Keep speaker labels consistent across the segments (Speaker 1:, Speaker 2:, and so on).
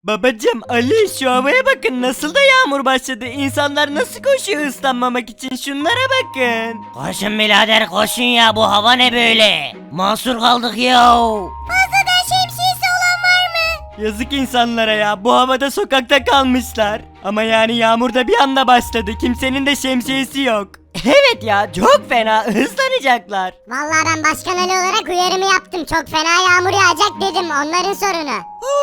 Speaker 1: Babacım Ali şu havaya bakın nasıl da yağmur başladı. İnsanlar nasıl koşuyor ıslanmamak için şunlara bakın.
Speaker 2: Koşun birader koşun ya, bu hava ne böyle? Mahsur kaldık ya.
Speaker 3: Fazladan şemsiyesi olan var mı?
Speaker 1: Yazık insanlara ya bu havada sokakta kalmışlar. Ama yani yağmur da bir anda başladı kimsenin de şemsiyesi yok. Evet ya çok fena ıslanacaklar.
Speaker 3: Vallahi ben Başkan Ali olarak uyarımı yaptım. Çok fena yağmur yağacak dedim. Onların sorunu.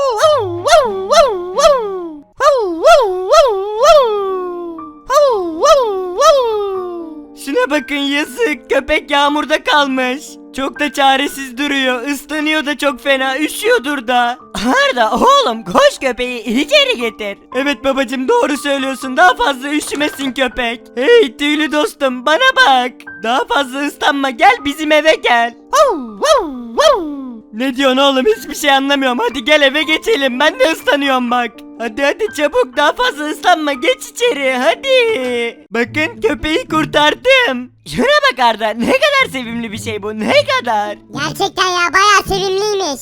Speaker 1: Şuna bakın yazık köpek yağmurda kalmış. Çok da çaresiz duruyor ıslanıyor da çok fena üşüyordur da. Arda oğlum koş köpeği içeri getir. Evet babacım doğru söylüyorsun daha fazla üşümesin köpek. Hey tüylü dostum bana bak. Daha fazla ıslanma gel bizim eve gel. Ne diyorsun oğlum hiçbir şey anlamıyorum hadi gel eve geçelim ben de ıslanıyorum bak. Hadi çabuk daha fazla ıslanma geç içeri hadi. Bakın köpeği kurtardım. Şuna bak Arda ne kadar sevimli bir şey bu ne kadar.
Speaker 3: Gerçekten ya bayağı sevimliymiş.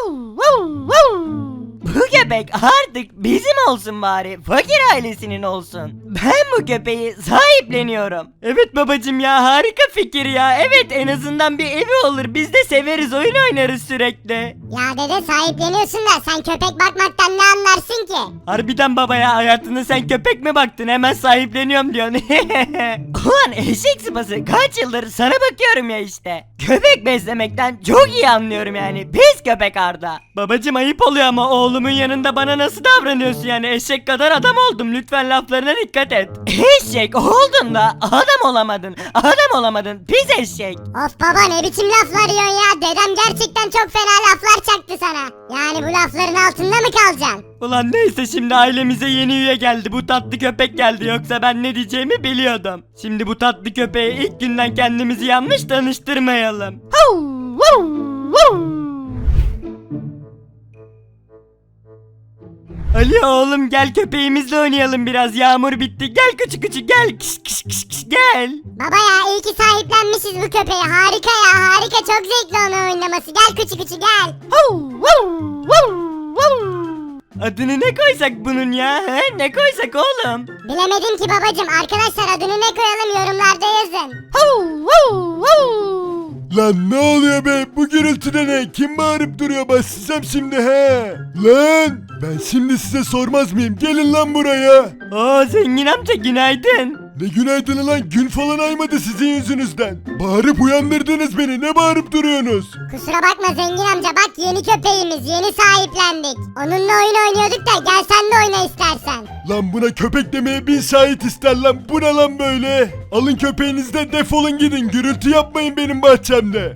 Speaker 1: Bu köpek artık bizim olsun bari fakir ailesinin olsun. Ben bu köpeği sahipleniyorum. Evet babacım ya harika fikir ya. Evet en azından bir evi olur biz de severiz oyun oynarız sürekli.
Speaker 3: Ya dede sahipleniyorsun da sen köpek bakmaktan ne anlarsın ki?
Speaker 1: Harbiden baba ya hayatında sen köpek mi baktın hemen sahipleniyorum diyorsun. Ulan eşek sıpası kaç yıldır sana bakıyorum ya işte. Köpek beslemekten çok iyi anlıyorum yani pis köpek Arda. Babacım ayıp oluyor ama oğlumun yanında bana nasıl davranıyorsun yani eşek kadar adam oldum lütfen laflarına dikkat et. Eşek oldun da adam olamadın pis eşek.
Speaker 3: Of baba ne biçim laflar yiyorsun ya? Dedem gerçekten çok fena laflar çaktı sana. Yani bu lafların altında mı kalacaksın?
Speaker 1: Ulan neyse şimdi ailemize yeni üye geldi bu tatlı köpek geldi yoksa ben ne diyeceğimi biliyordum. Şimdi bu tatlı köpeğe ilk günden kendimizi yanlış tanıştırmayalım. Ali oğlum gel köpeğimizle oynayalım biraz yağmur bitti gel küçük gel kış gel.
Speaker 3: Baba ya iyi ki sahiplenmişiz bu köpeği. Harika ya harika çok zevkli onun oynaması. Gel küçük gel.
Speaker 1: Adını ne koysak bunun ya he? Ne koysak oğlum?
Speaker 3: Bilemedim ki babacım. Arkadaşlar adını ne koyalım yorumlarda yazın.
Speaker 4: Lan ne oluyor be? Bu gürültüde ne? Kim bağırıp duruyor? Başlayacağım şimdi he. Lan ben şimdi size sormaz mıyım? Gelin lan buraya.
Speaker 1: Oo zengin amca günaydın.
Speaker 4: Ne günaydın lan? Gün falan aymadı sizin yüzünüzden. Bağırıp uyandırdınız beni. Ne bağırıp duruyorsunuz?
Speaker 3: Kusura bakma zengin amca bak yeni köpeğimiz yeni sahiplendik. Onunla oyun oynuyorduk da gel sen de oyna istersen.
Speaker 4: Lan buna köpek demeye bin şahit ister lan. Bu ne lan böyle? Alın köpeğinizi de defolun gidin. Gürültü yapmayın benim bahçemde.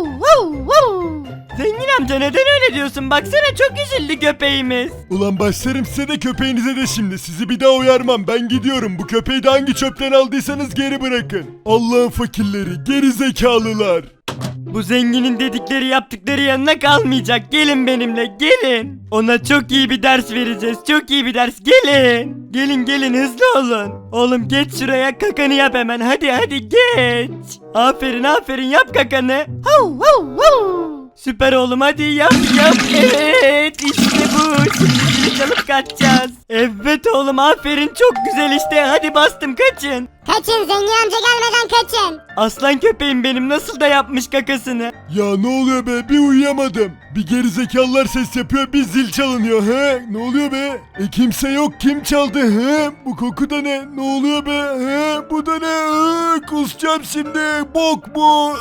Speaker 1: Zengin amca neden öyle diyorsun? Baksana çok üzüldü köpeğimiz.
Speaker 4: Ulan başlarım size de köpeğinize de şimdi. Sizi bir daha uyarmam. Ben gidiyorum. Bu köpeği de hangi çöpten aldıysanız geri bırakın. Allah'ın fakirleri, geri zekalılar.
Speaker 1: Bu zenginin dedikleri yaptıkları yanına kalmayacak. Gelin benimle gelin. Ona çok iyi bir ders vereceğiz. Çok iyi bir ders. Gelin. Gelin hızlı olun. Oğlum geç şuraya kakanı yap hemen. Hadi geç. Aferin yap kakanı. Süper oğlum hadi yap. Evet işte bu. Şimdi çalıp kaçacağız. Evet oğlum aferin çok güzel işte. Hadi bastım kaçın.
Speaker 3: Kaçın zengin amca gelmeden kaçın.
Speaker 1: Aslan köpeğim benim nasıl da yapmış kakasını.
Speaker 4: Ya ne oluyor be? Bir uyuyamadım. Bir gerizekalılar ses yapıyor, bir zil çalınıyor he? Ne oluyor be? Kimse yok. Kim çaldı he? Bu koku da ne? Ne oluyor be? He? Bu da ne? Kusacağım şimdi. Bok bu.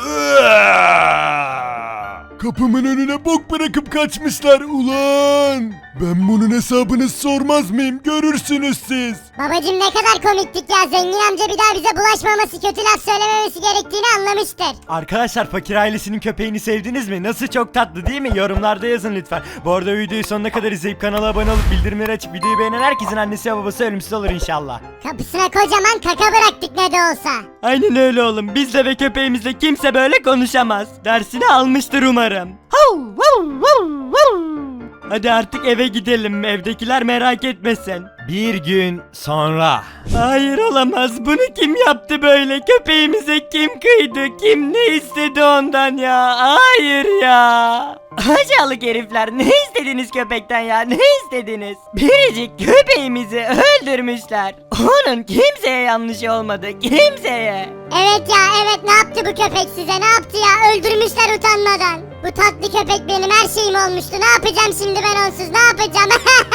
Speaker 4: Kapımın önüne bok bırakıp kaçmışlar ulan. Ben bunun hesabını sormaz mıyım? Görürsünüz siz.
Speaker 3: Babacım ne kadar komiktik ya zengin amca bir daha bize bulaşmaması kötü laf söylememesi gerektiğini anlamıştır.
Speaker 1: Arkadaşlar fakir ailesinin köpeğini sevdiniz mi? Nasıl çok tatlı değil mi? Yorumlarda yazın lütfen. Bu arada videoyu sonuna kadar izleyip kanala abone olup bildirimleri açıp videoyu beğenen herkesin annesi ve babası ölümsüz olur inşallah.
Speaker 3: Kapısına kocaman kaka bıraktık ne de olsa.
Speaker 1: Aynen öyle oğlum. Bizle ve köpeğimizle kimse böyle konuşamaz. Dersini almıştır umarım. Hadi artık eve gidelim. Evdekiler merak etmesin.
Speaker 5: Bir gün sonra.
Speaker 1: Hayır olamaz. Bunu kim yaptı böyle? Köpeğimize kim kıydı? Kim ne istedi ondan ya? Hayır ya. Aşağılık herifler, ne istediniz köpekten ya? Ne istediniz? Biricik köpeğimizi öldürmüşler. Onun kimseye yanlışı olmadı. Kimseye.
Speaker 3: Evet ya evet, ne yaptı bu köpek size, ne yaptı ya, öldürmüşler utanmadan. Bu tatlı köpek benim her şeyim olmuştu, ne yapacağım şimdi ben onsuz, ne yapacağım?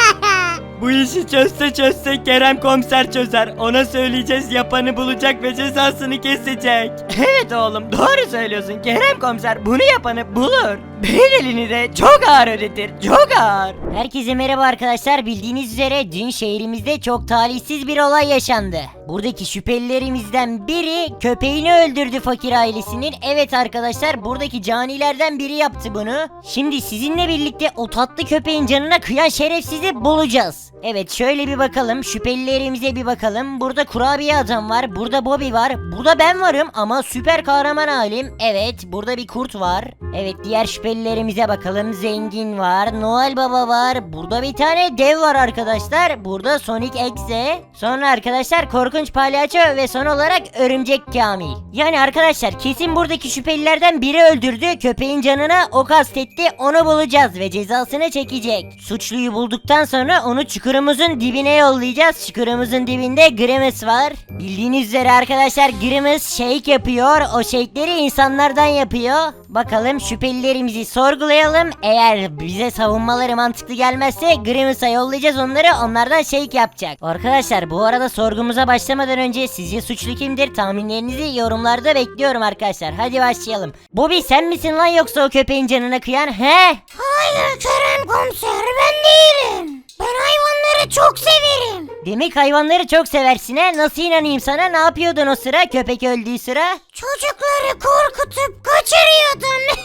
Speaker 1: Bu işi çözse Kerem komiser çözer. Ona söyleyeceğiz, yapanı bulacak ve cezasını kesecek. Evet oğlum, doğru söylüyorsun. Kerem komiser bunu yapanı bulur. Bedelini de çok ağır ödetir. Çok ağır.
Speaker 2: Herkese merhaba arkadaşlar. Bildiğiniz üzere dün şehrimizde çok talihsiz bir olay yaşandı. Buradaki şüphelilerimizden biri köpeğini öldürdü fakir ailesinin. Evet arkadaşlar, buradaki canilerden biri yaptı bunu. Şimdi sizinle birlikte o tatlı köpeğin canına kıyan şerefsizi bulacağız. Evet, şöyle bir bakalım, şüphelilerimize bir bakalım. Burada kurabiye adam var, burada Bobby var, burada ben varım ama süper kahraman halim. Evet, burada bir kurt var. Evet, diğer şüphelilerimize bakalım. Zengin var, Noel Baba var, burada bir tane dev var arkadaşlar. Burada Sonic Exe. Sonra arkadaşlar korkunç palyaço ve son olarak örümcek Kamil. Yani arkadaşlar kesin buradaki şüphelilerden biri öldürdü. Köpeğin canına o kastetti. Onu bulacağız ve cezasını çekecek. Suçluyu bulduktan sonra onu çukurumuzun dibine yollayacağız. Çukurumuzun dibinde Grimace var. Bildiğiniz üzere arkadaşlar Grimace shake yapıyor. O shake'leri insanlardan yapıyor. Bakalım şüphelilerimizi sorgulayalım. Eğer bize savunmaları mantıklı gelmezse Grimace'a yollayacağız onları. Onlardan shake yapacak. Arkadaşlar bu arada sorgumuza başlamadan önce sizce suçlu kimdir? Tahminlerinizi yorumlarda bekliyorum arkadaşlar. Hadi başlayalım. Bobby, sen misin lan yoksa o köpeğin canına kıyan? He?
Speaker 3: Hayır Kerem komiser, ben değilim. Ben hayvanları çok severim.
Speaker 2: Demek hayvanları çok seversin he? Nasıl inanayım sana? Ne yapıyordun o sıra? Köpek öldüğü sıra?
Speaker 3: Çocukları korkutup kaçırıyordum.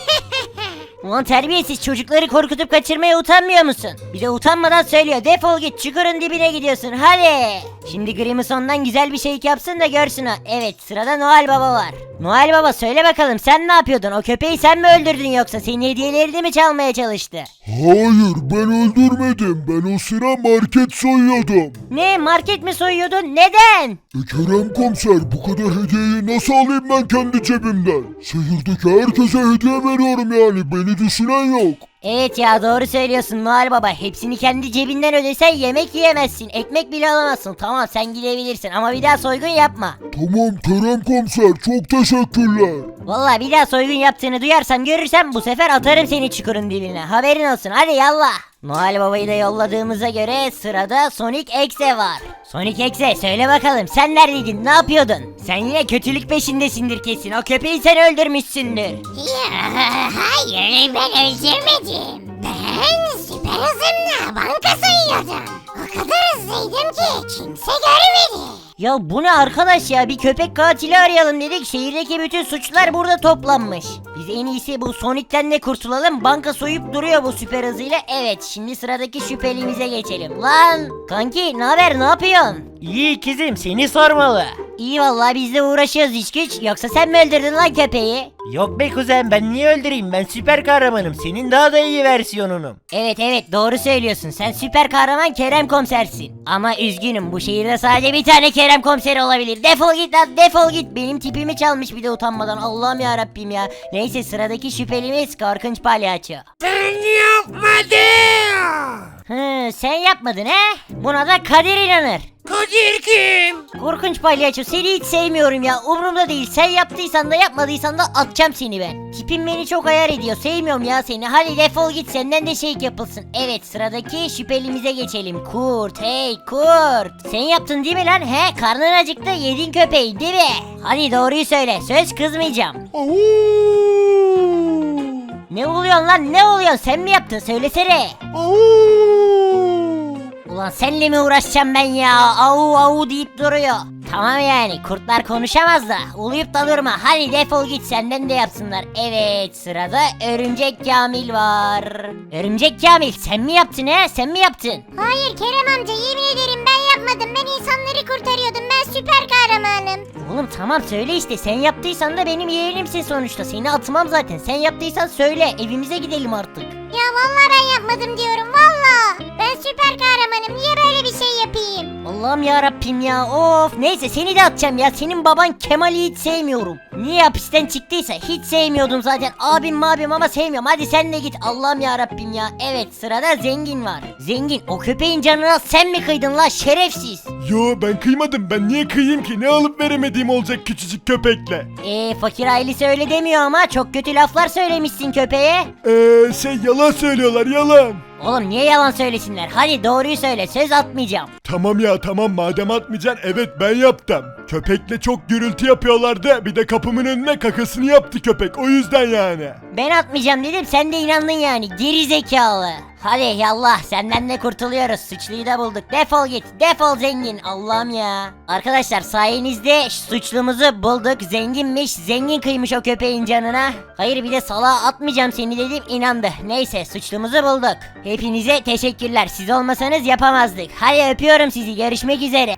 Speaker 2: Ulan terbiyesiz, çocukları korkutup kaçırmaya utanmıyor musun? Bir de utanmadan söylüyor, defol git, çukurun dibine gidiyorsun hadi. Şimdi Grimace ondan güzel bir şey yapsın da görsün o. Evet, sırada Noel Baba var. Noel Baba, söyle bakalım, sen ne yapıyordun? O köpeği sen mi öldürdün yoksa senin hediyelerini mi çalmaya çalıştı?
Speaker 4: Hayır, ben öldürmedim. Ben o sıra market soyuyordum.
Speaker 2: Ne, market mi soyuyordun? Neden?
Speaker 4: Kerem komiser, bu kadar hediyeyi nasıl alayım ben kendi cebimden? Şehirdeki herkese hediye veriyorum yani, beni düşünen yok.
Speaker 2: Evet ya, doğru söylüyorsun Noel Baba. Hepsini kendi cebinden ödesen yemek yiyemezsin. Ekmek bile alamazsın. Tamam, sen gidebilirsin ama bir daha soygun yapma.
Speaker 4: Tamam Kerem komiser, çok teşekkürler.
Speaker 2: Vallahi bir daha soygun yaptığını duyarsam görürsem bu sefer atarım seni çukurun dibine. Haberin olsun, hadi yallah. Noel Baba'yı da yolladığımıza göre sırada Sonic Exe var. Sonic Exe, söyle bakalım, sen neredeydin, ne yapıyordun? Sen yine kötülük peşindesindir kesin, o köpeği sen öldürmüşsündür.
Speaker 3: Ya hayır, ben öldürmedim. Ben süper hızımla banka soyuyordum. O kadar hızlıydım ki kimse görmedi.
Speaker 2: Ya bu ne arkadaş ya, bir köpek katili arayalım dedik, şehirdeki bütün suçlular burada toplanmış. Biz en iyisi bu Sonic'ten de kurtulalım, banka soyup duruyor bu süper hızıyla. Evet, şimdi sıradaki şüphelimize geçelim. Lan kanki, ne haber, ne yapıyorsun?
Speaker 5: İyi ikizim, seni sormalı.
Speaker 2: İyi vallahi, biz de uğraşıyoruz iş güç. Yoksa sen mi öldürdün lan köpeği?
Speaker 5: Yok be kuzen, ben niye öldüreyim? Ben süper kahramanım. Senin daha da iyi versiyonunum.
Speaker 2: Evet doğru söylüyorsun, sen süper kahraman Kerem komisersin. Ama üzgünüm, bu şehirde sadece bir tane Kerem komiseri olabilir. Defol git lan, defol git. Benim tipimi çalmış bir de utanmadan, Allah'ım ya Rabbim ya. Neyse, sıradaki şüphelimiz korkunç palyaço.
Speaker 5: Ben yapmadım.
Speaker 2: Sen yapmadın he? Buna da Kadir inanır.
Speaker 5: Kadir kim?
Speaker 2: Korkunç palyaço, seni hiç sevmiyorum ya, umurumda değil. Sen yaptıysan da yapmadıysan da atacağım seni ben. Tipin beni çok ayar ediyor, sevmiyorum ya seni. Hadi defol git, senden de shake yapılsın. Evet, sıradaki şüphelimize geçelim. Kurt, hey kurt. Sen yaptın değil mi lan? He, karnın acıktı, yedin köpeği değil mi? Hadi doğruyu söyle, söz kızmayacağım. Ne oluyorsun lan, ne oluyorsun, sen mi yaptın, söylesene. Ulan senle mi uğraşacağım ben ya? Au au deyip duruyor. Tamam yani, kurtlar konuşamaz da uluyup da durma. Hadi defol git, senden de yapsınlar. Evet, sırada Örümcek Kamil var. Örümcek Kamil, sen mi yaptın he? Sen mi yaptın?
Speaker 3: Hayır Kerem amca, yemin ederim ben yapmadım. Ben insanları kurtarıyordum. Ben süper kahramanım.
Speaker 2: Oğlum tamam, söyle işte, sen yaptıysan da benim yeğenimsin sonuçta. Seni atmam zaten. Sen yaptıysan söyle, evimize gidelim artık.
Speaker 3: Ya vallahi ben yapmadım diyorum, vallahi. Ben süper kahramanım. Niye böyle bir şey yapayım.
Speaker 2: Allah'ım ya Rabbim ya, of. Neyse seni de atacağım ya, senin baban Kemal'i hiç sevmiyorum. Niye hapisten çıktıysa hiç sevmiyordum zaten, abim ama sevmiyorum. Hadi sen de git, Allah'ım ya Rabbim ya. Evet, sırada Zengin var. Zengin, o köpeğin canına sen mi kıydın la şerefsiz?
Speaker 4: Yo ben kıymadım, ben niye kıyayım ki, ne alıp veremediğim olacak küçücük köpekle.
Speaker 2: Fakir ailesi öyle demiyor ama çok kötü laflar söylemişsin köpeğe.
Speaker 4: Yalan söylüyorlar, yalan.
Speaker 2: Oğlum niye yalan söylesinler, hadi doğruyu söyle, söz atmayacağım.
Speaker 4: Tamam ya tamam, madem atmayacaksın, evet ben yaptım. Köpekle çok gürültü yapıyorlardı, bir de kapımın önüne kakasını yaptı köpek, o yüzden yani.
Speaker 2: Ben atmayacağım dedim, sen de inandın yani, geri zekalı. Hadi yallah, senden de kurtuluyoruz, suçluyu da bulduk, defol git, defol Zengin, Allah'ım ya. Arkadaşlar sayenizde suçlumuzu bulduk, Zenginmiş, Zengin kıymış o köpeğin canına. Hayır bir de salağa atmayacağım seni dedim, inandı. Neyse, suçlumuzu bulduk. Hepinize teşekkürler, siz olmasanız yapamazdık. Hadi öpüyorum sizi, görüşmek üzere.